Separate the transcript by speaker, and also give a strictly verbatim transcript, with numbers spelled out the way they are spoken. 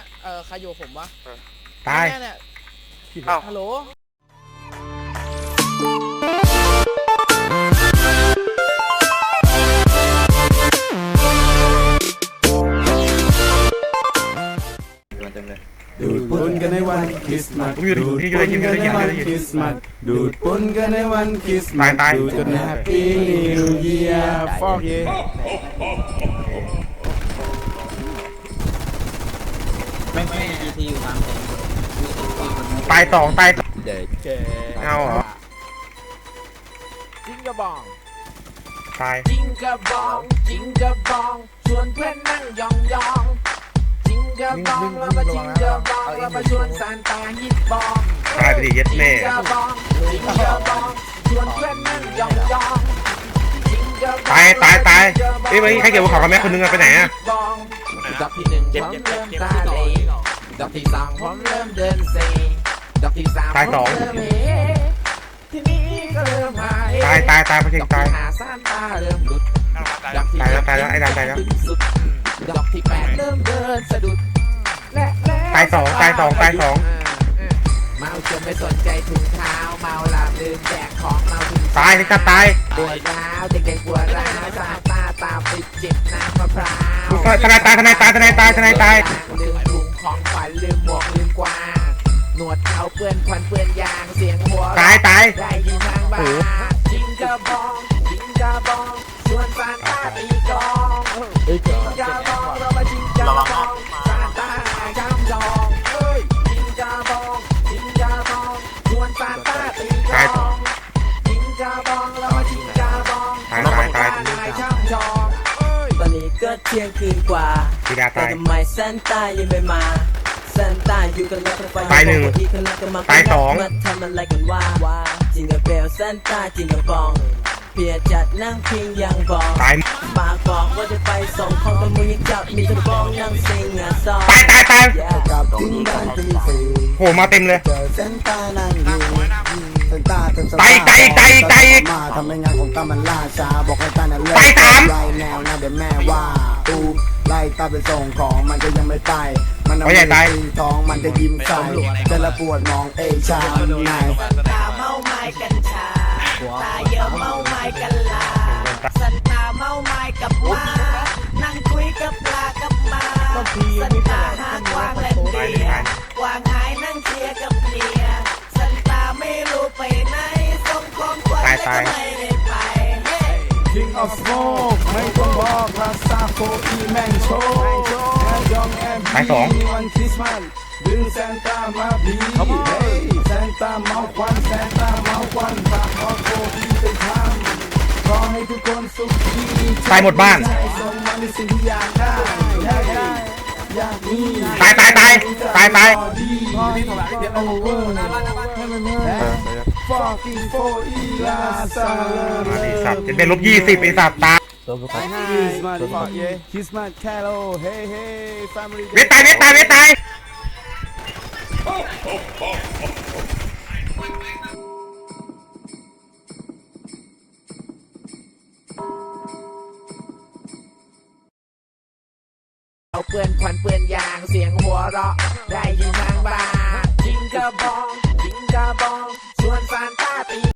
Speaker 1: เออใครอยู่ผมวะ
Speaker 2: ตาย
Speaker 1: เนี่ยฮัลโหล
Speaker 3: ดูดปุนกันในวันคริสต์มาสดูดปุนกันในวันคริสต์มาสดูดปุนกันในวันคริสต์มาสดูดกันในแฮปปี้นิวเยียร์ฟอกเย่
Speaker 4: ไม่ไม่จีทีอยู่ตามเต็ม
Speaker 2: ตายสองตายสอง
Speaker 3: เด็กแก
Speaker 2: เอาเหรอ
Speaker 1: จิงกระบอง
Speaker 2: ตาย
Speaker 1: จิงกระบองจิงกระบองชวนเพื่อนนั่งยองยองจิงกระบองแล้วมาจิงกระบองแล้วมาชวนซานตาฮิตบอง
Speaker 2: ตายไปดิเย็ดแม่
Speaker 1: จิงกระบองจิงกระบองชวนเพื่อนนั่งยองยอง
Speaker 2: ตายตายตายเอ้ยให้เกี่ยวกับของแม่คนนึงไปไหนอะ
Speaker 1: ดอกที่หนึ่งผมเริ่มตาเหลดอกที่สองผมเริ่มเดินเซดอกที่สามผมเริ่มเฮทีนี้ก็เริ่มหาย
Speaker 2: ตายตายตายพอเช็คตาย
Speaker 1: หาซานตาเริ่มหลุด
Speaker 2: ตายแล้วตายแล้วไอ้ดำตายแล้ว
Speaker 1: ดอกที่แปดเริ่มเดินสะดุด
Speaker 2: ตายสองตายสองตายสอง
Speaker 1: เมาจนไม่สนใจถุงเท้าเมาหลับลืมแจกของเมาถึง
Speaker 2: ตายที่จะตาย
Speaker 1: ปวดร้าวเด็กๆปวดร้าวตาตาตาปิดจิบน้ำมะพร้าว
Speaker 2: ทนายตายทนายตายทนายตายทนายตาย
Speaker 1: ลืมถุงของขวัญลืมหมวกลืมกวางหนวดเขาเปื้อนควันเปื้อนยางเสียงหัว
Speaker 2: ตายตาย
Speaker 1: ได้ยินทางบ้านจิงกระบองจิงกระบองชวนซานตาตีกลองจิงกระบองเรามาจิงกระบองซานตาจำจองเฮ้ยจิงกระบองจิงกระบองชวนซานตาตีกลองจิงกระบองเรามาจิงกระบอง
Speaker 2: ตายตายตาย
Speaker 1: จำจอง
Speaker 4: ตอนนี้ก็เที่ยงคืนกว่าแต่ทำไมซานต้ายังไม่มาซานต้าอยู่กันแล้วไฟ
Speaker 2: ตายหนึ่งตายสอง
Speaker 4: มาทำอะไรกันว่าจิงกระเบลซานต้าจิงกระบองเพียจัดนั่งพิงยังบอก
Speaker 2: ตาย
Speaker 4: ปากบอกว่าจะไปส่งของแต่มือยังจับมีกระบองนั่งซิงอ่ะซอ
Speaker 2: ตายตายตาย
Speaker 3: กับทิ้งบ้านทิ้งสี
Speaker 2: โหมาเต็มเลย
Speaker 3: เจอเส้นตานั่งอยู่เส้นตาเต็มส
Speaker 2: ตายตายตายตาย
Speaker 3: มาทำให้งานของตามันล่าช้าบอกให้ตานั่นเลิก
Speaker 2: ตายสาม
Speaker 3: ไล่แนวนะเดี๋ยวแม่ว่าตูไล่ตาไปส่งของมันก็ยังไม่ตายมันเอาไปตีท้องมันจะยิ้มใส่จะละปวดมองเอชามนาย
Speaker 1: ตาเมาไม้กัญชาตาเยอะเมาไม้กันลาสันตาเมาไม้กับม้านั่งคุยกับปลากับมาสันตาหากวางเล่นเดียกวางหายนั่งเคลียกับเมียสันตาไม่รู้ไปไหนส่งของขวัญไม่ได้ไป
Speaker 3: King of Smoke ไม่ต้องบอกลาซาโคอีแมงโชว์แค่ยองแอมบีวันคริสต์มาสดึงแซนต้ามาบีเฮ้ยแซนต้าเมาควันแซนต้าเมาควันฝากออโคอีไปทำขอให้ทุกคนสุขดี
Speaker 2: ตายหมดบ้าน
Speaker 3: ส่งมาในสิ่งที่อยากได้อยากได้อยากมี
Speaker 2: ตายตายตายตายตาย
Speaker 3: พี่ถอดเดี๋ยวโอเวอร์ให้มันเมื่อfucking for อีลาซา
Speaker 2: ไอ้สัตว์จะเป็นลบยี่สิบไอ้สัตว์ตาย
Speaker 3: Christmas fuck yeah Christmas Carol hey hey family
Speaker 2: เวทตายเวทตายเวทตาย
Speaker 1: เอาเปื้อนควันเปื้อนยางเสียงหัวเราะได้ยินทางบ้านจิงกระบองจิงกระบองชวนซาน